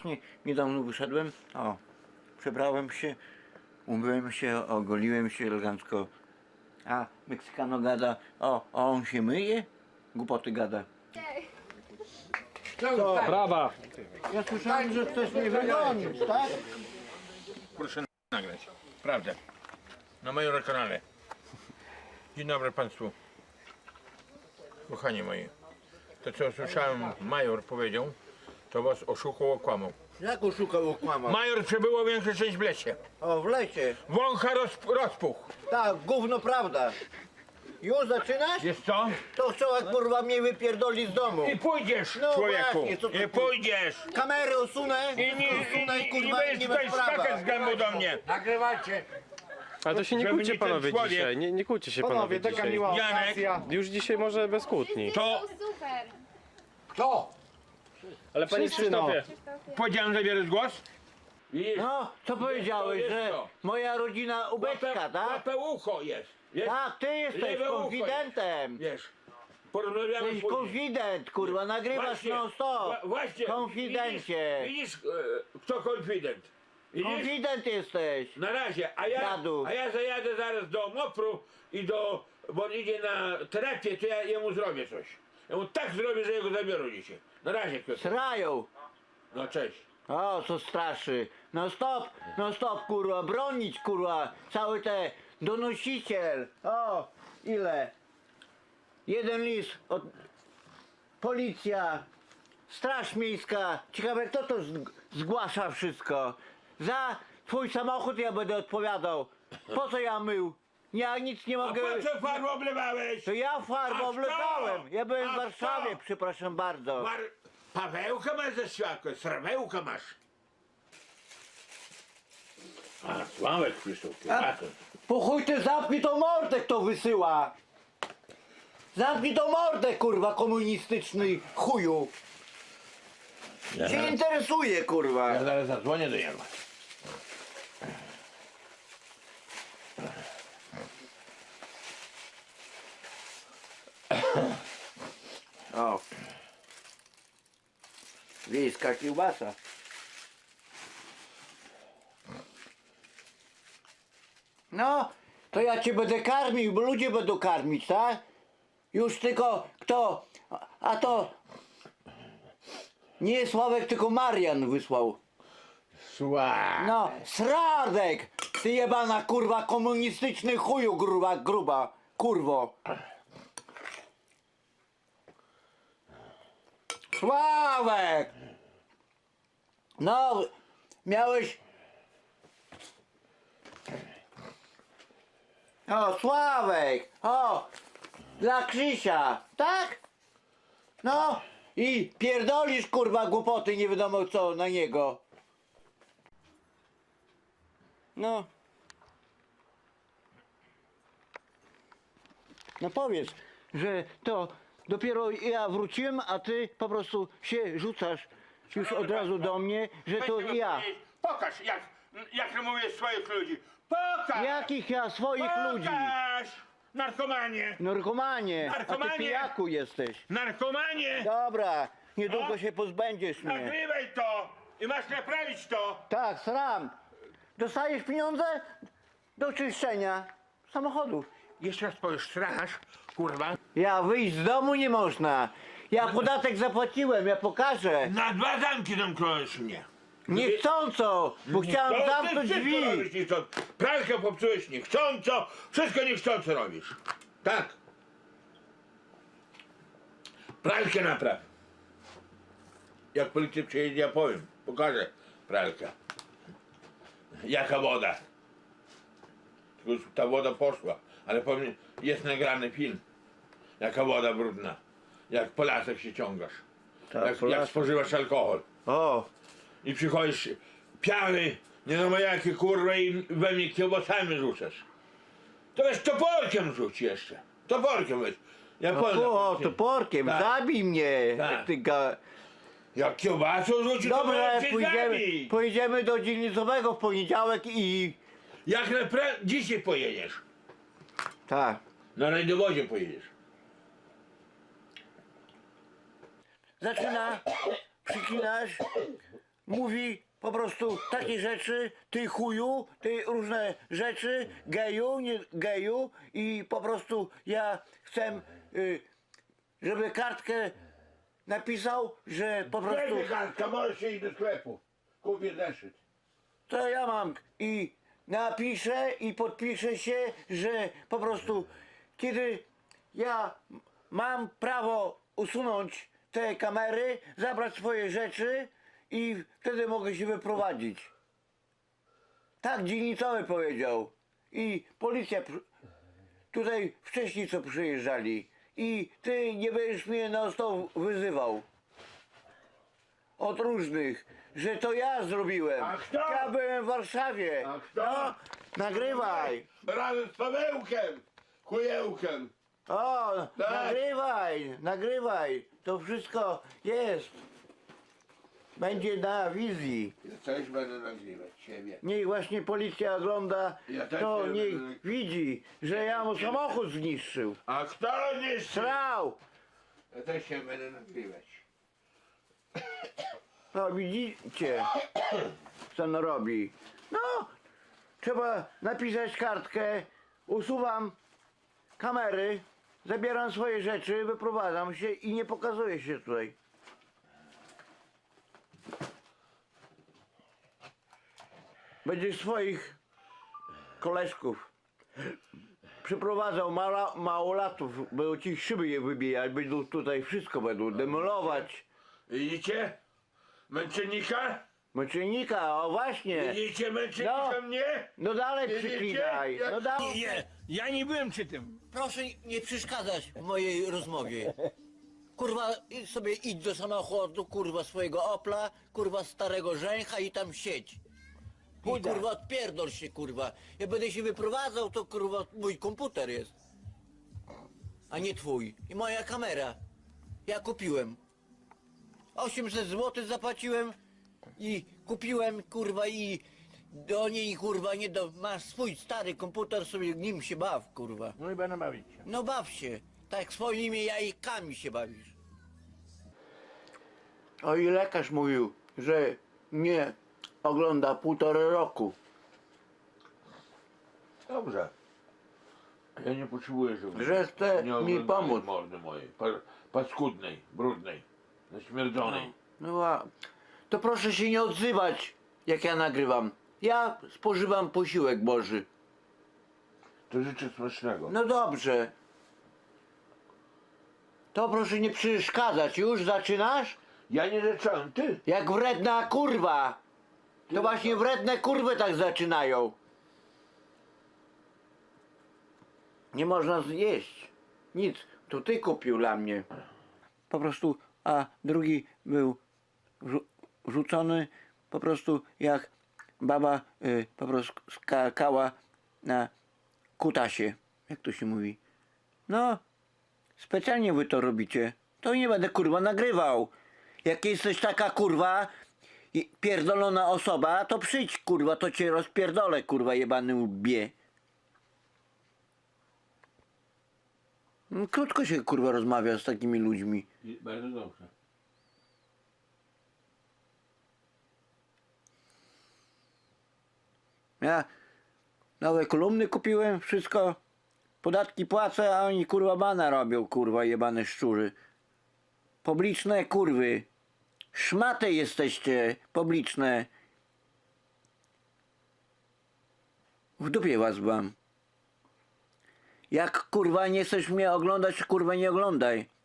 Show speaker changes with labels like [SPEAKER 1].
[SPEAKER 1] właśnie niedawno wyszedłem, o, przebrałem się, umyłem się, ogoliłem się elegancko, a Meksykano gada, a on się myje? Głupoty gada.
[SPEAKER 2] Co?
[SPEAKER 3] Brawa!
[SPEAKER 1] Ja słyszałem, że chcesz mnie wygonić, tak?
[SPEAKER 2] Proszę nagrać. Prawda. Na moim kanale. Dzień dobry Państwu. Kochani moi. To co słyszałem, major powiedział, to was oszukał, okłamał.
[SPEAKER 1] Jak oszukał, okłamał?
[SPEAKER 2] Major przebyło większa część w lesie.
[SPEAKER 1] O, w lesie.
[SPEAKER 2] Wącha rozpuch.
[SPEAKER 1] Tak, gówno prawda. Już zaczynasz?
[SPEAKER 2] Wiesz co?
[SPEAKER 1] To chciała kurwa mnie wypierdoli z domu.
[SPEAKER 2] I pójdziesz,
[SPEAKER 1] No
[SPEAKER 2] człowieku.
[SPEAKER 1] właśnie, co to
[SPEAKER 2] I pójdziesz.
[SPEAKER 1] Kamery usunę,
[SPEAKER 2] I nie
[SPEAKER 1] kurwa, i
[SPEAKER 2] będziesz
[SPEAKER 1] nie
[SPEAKER 2] tutaj
[SPEAKER 1] bez prawa.
[SPEAKER 2] skakać z gębu do mnie.
[SPEAKER 4] Nagrywajcie.
[SPEAKER 3] Ale to się nie
[SPEAKER 2] Żeby
[SPEAKER 3] kłóćcie
[SPEAKER 2] nie ten
[SPEAKER 3] panowie
[SPEAKER 2] człowiek-
[SPEAKER 3] dzisiaj, nie kłóćcie się panowie
[SPEAKER 4] Taka
[SPEAKER 3] dzisiaj.
[SPEAKER 4] miła
[SPEAKER 2] Janek.
[SPEAKER 4] okazja.
[SPEAKER 3] Już dzisiaj może bez kłótni.
[SPEAKER 2] To
[SPEAKER 5] Super.
[SPEAKER 4] Kto?
[SPEAKER 3] Ale panie
[SPEAKER 4] Wszyscy, no.
[SPEAKER 3] Krzysztofie,
[SPEAKER 2] powiedziałem, zabierać głos? Widzisz?
[SPEAKER 1] No, co powiedziałeś,
[SPEAKER 2] jest
[SPEAKER 1] że
[SPEAKER 2] to.
[SPEAKER 1] moja rodzina ubeczka, tak?
[SPEAKER 2] Łapę ucho jest. Wiesz?
[SPEAKER 1] Tak, ty jesteś
[SPEAKER 2] Lewe ucho
[SPEAKER 1] konfidentem.
[SPEAKER 2] Wiesz, porozmawiamy
[SPEAKER 1] Jesteś
[SPEAKER 2] później.
[SPEAKER 1] konfident, kurwa, nagrywasz
[SPEAKER 2] Właśnie,
[SPEAKER 1] non stop.
[SPEAKER 2] Właśnie.
[SPEAKER 1] Konfidencie.
[SPEAKER 2] Widzisz, kto konfident? Widzisz?
[SPEAKER 1] Konfident jesteś.
[SPEAKER 2] Na razie,
[SPEAKER 1] Dziadu.
[SPEAKER 2] a ja zajadę zaraz do Mopru i bo on idzie na terapię, to ja jemu zrobię coś. Ja mu tak zrobię, że jego zabiorą dzisiaj. Na razie, Piotr.
[SPEAKER 1] Srają.
[SPEAKER 2] No cześć.
[SPEAKER 1] O, co straszy. No stop, kurwa, bronić, kurwa. Cały te donosiciel. O, ile? Jeden list od... Policja, Straż Miejska. Ciekawe, kto to zgłasza wszystko. Za twój samochód ja będę odpowiadał. Po co ja mył? Ja nic nie
[SPEAKER 2] A
[SPEAKER 1] mogę...
[SPEAKER 2] po co farbę oblewałeś?
[SPEAKER 1] To ja farbę
[SPEAKER 2] A kto?
[SPEAKER 1] oblewałem. Ja byłem w
[SPEAKER 2] A
[SPEAKER 1] Warszawie,
[SPEAKER 2] kto?
[SPEAKER 1] przepraszam bardzo.
[SPEAKER 2] Pawełka masz ze światłem, srawełka masz. A, Sławek Krzysztof,
[SPEAKER 1] Po chuj ty zamknij tą mordę, kto wysyła! Zamknij tą mordę, kurwa, komunistyczny chuju! Cię interesuje, kurwa!
[SPEAKER 2] Ja zaraz zadzwonię do niego.
[SPEAKER 1] O! Wiejska kiełbasa. No, to ja cię będę karmił, bo ludzie będą karmić, tak? Już tylko kto? A to nie Sławek, tylko Marian wysłał. No, Sradek! Ty jebana kurwa komunistyczny chuju gruba, kurwo. Sławek! No, miałeś... O, Sławek! O! Dla Krzysia, tak? No, i pierdolisz kurwa głupoty, nie wiadomo co na niego. No. No powiedz, że to dopiero ja wróciłem, a ty po prostu się rzucasz już od razu do mnie, że to ja.
[SPEAKER 2] Pokaż, jak mówię swoich ludzi. Pokaż!
[SPEAKER 1] Jakich ja swoich ludzi?
[SPEAKER 2] Pokaż! Narkomanie!
[SPEAKER 1] Narkomanie, a
[SPEAKER 2] Narkomanie.
[SPEAKER 1] ty pijaku jesteś.
[SPEAKER 2] Narkomanie!
[SPEAKER 1] Dobra, niedługo
[SPEAKER 2] No.
[SPEAKER 1] się pozbędziesz mnie.
[SPEAKER 2] Nagrywaj to! I masz naprawić to!
[SPEAKER 1] Tak, sram. Dostajesz pieniądze do czyszczenia samochodów.
[SPEAKER 2] Jeszcze raz powiesz, straż, kurwa.
[SPEAKER 1] Ja wyjść z domu nie można. Ja podatek zapłaciłem, ja pokażę.
[SPEAKER 2] Na 2 zamki zamknąłeś mnie.
[SPEAKER 1] Niechcąco, bo chciałem
[SPEAKER 2] To
[SPEAKER 1] zamknąć
[SPEAKER 2] ty wszystko
[SPEAKER 1] drzwi.
[SPEAKER 2] robisz niechcąco. Pralkę popsułeś niechcąco, wszystko niechcąco robisz. Tak. Pralkę napraw. Jak policja przyjedzie, ja powiem, pokażę pralkę. Jaka woda. Tylko już ta woda poszła, ale powiem, jest nagrany film. Jaka woda brudna. Jak po lasach się ciągasz.
[SPEAKER 1] Tak, po
[SPEAKER 2] Jak
[SPEAKER 1] lasach.
[SPEAKER 2] spożywasz alkohol.
[SPEAKER 1] O,
[SPEAKER 2] I przychodzisz piany, nie wiadomo jakie kurwa i we mnie kiełbasami rzucasz. To weź toporkiem rzuć jeszcze. Toporkiem weź. Ja powiem.
[SPEAKER 1] o, toporkiem,
[SPEAKER 2] Tak.
[SPEAKER 1] zabij mnie.
[SPEAKER 2] Tak.
[SPEAKER 1] Jak ty ga...
[SPEAKER 2] Jak kiełbasą rzuci, to
[SPEAKER 1] Dobra,
[SPEAKER 2] możesz się zabić.
[SPEAKER 1] pojedziemy do dzielnicowego w poniedziałek i...
[SPEAKER 2] Jak dzisiaj pojedziesz.
[SPEAKER 1] Tak.
[SPEAKER 2] Na rajdowozie pojedziesz.
[SPEAKER 1] Zaczyna, przyklinasz, mówi po prostu takie rzeczy, ty chuju, ty różne rzeczy, geju, nie geju i po prostu ja chcę, żeby kartkę napisał, że po prostu
[SPEAKER 2] Weź kartka, możesz iść do sklepu. Kupię zeszyt.
[SPEAKER 1] to ja mam i napiszę i podpiszę się, że po prostu kiedy ja mam prawo usunąć te kamery, zabrać swoje rzeczy i wtedy mogę się wyprowadzić. Tak dzielnicowy powiedział. I policja tutaj wcześniej co przyjeżdżali. I ty nie będziesz mnie na stał wyzywał. Od różnych, że to ja zrobiłem.
[SPEAKER 2] A kto?
[SPEAKER 1] Ja byłem w Warszawie.
[SPEAKER 2] A kto?
[SPEAKER 1] No, nagrywaj.
[SPEAKER 2] Razem z Pawełkiem. Chujełkiem.
[SPEAKER 1] O,
[SPEAKER 2] Tak.
[SPEAKER 1] nagrywaj, nagrywaj. To wszystko jest. Będzie na wizji.
[SPEAKER 2] Ja też będę nagrywać siebie.
[SPEAKER 1] Niech właśnie policja ogląda,
[SPEAKER 2] Ja też
[SPEAKER 1] to
[SPEAKER 2] nie
[SPEAKER 1] niech
[SPEAKER 2] będę-
[SPEAKER 1] widzi, że ja mu samochód zniszczył.
[SPEAKER 2] A kto nie
[SPEAKER 1] Srał.
[SPEAKER 2] Ja też się będę nagrywać.
[SPEAKER 1] No widzicie, co on robi. No, trzeba napisać kartkę, usuwam kamery, zabieram swoje rzeczy, wyprowadzam się i nie pokazuję się tutaj. Będzie swoich koleżków przyprowadzał małolatów, będą ci szyby je wybijać, będą tutaj wszystko będą demolować.
[SPEAKER 2] Widzicie? Męczennika?
[SPEAKER 1] Męczennika, o właśnie.
[SPEAKER 2] Widzicie męczennika
[SPEAKER 1] No.
[SPEAKER 2] mnie?
[SPEAKER 1] No dalej
[SPEAKER 2] Widzicie?
[SPEAKER 1] przyklinaj.
[SPEAKER 2] Jak-
[SPEAKER 1] No dalej.
[SPEAKER 4] Nie, ja nie byłem przy tym.
[SPEAKER 1] Proszę nie przeszkadzać w mojej rozmowie. Kurwa, sobie idź do samochodu, kurwa, swojego Opla, kurwa, starego żęcha i tam siedź. I kurwa, odpierdol się, kurwa. Ja będę się wyprowadzał, to kurwa, mój komputer jest. A nie twój. I moja kamera. Ja kupiłem. 800 zł zapłaciłem i kupiłem, kurwa, i do niej, kurwa, nie do... Masz swój stary komputer, sobie nim się baw, kurwa.
[SPEAKER 4] No i będę bawić się.
[SPEAKER 1] No baw się. Tak jak swoimi jajkami się bawisz. O i lekarz mówił, że nie ogląda 1,5 roku.
[SPEAKER 2] Dobrze. Ja nie potrzebuję, żeby
[SPEAKER 1] Że chce
[SPEAKER 2] nie
[SPEAKER 1] mi
[SPEAKER 2] oglądali
[SPEAKER 1] pomóc.
[SPEAKER 2] mordy mojej. Paskudnej, brudnej, zaśmierdzonej.
[SPEAKER 1] No a to proszę się nie odzywać, jak ja nagrywam. Ja spożywam posiłek Boży.
[SPEAKER 2] To życzę smacznego.
[SPEAKER 1] No dobrze. To proszę nie przeszkadzać. Już zaczynasz?
[SPEAKER 2] Ja nie zacząłem, ty.
[SPEAKER 1] Jak wredna kurwa. To właśnie wredne kurwy tak zaczynają. Nie można zjeść. Nic. To ty kupił dla mnie. Po prostu, a drugi był rzucony po prostu jak baba po prostu skakała na kutasie. Jak to się mówi? No, specjalnie wy to robicie. To nie będę kurwa nagrywał. Jak jesteś taka kurwa pierdolona osoba, to przyjdź kurwa, to cię rozpierdolę kurwa jebany łbie. Krótko się kurwa rozmawia z takimi ludźmi.
[SPEAKER 2] Bardzo dobrze.
[SPEAKER 1] Ja nowe kolumny kupiłem, wszystko. Podatki płacę, a oni kurwa bana robią, kurwa jebane szczury. Publiczne kurwy. Szmaty jesteście, publiczne. W dupie was mam. Jak kurwa nie chcesz mnie oglądać, kurwa nie oglądaj.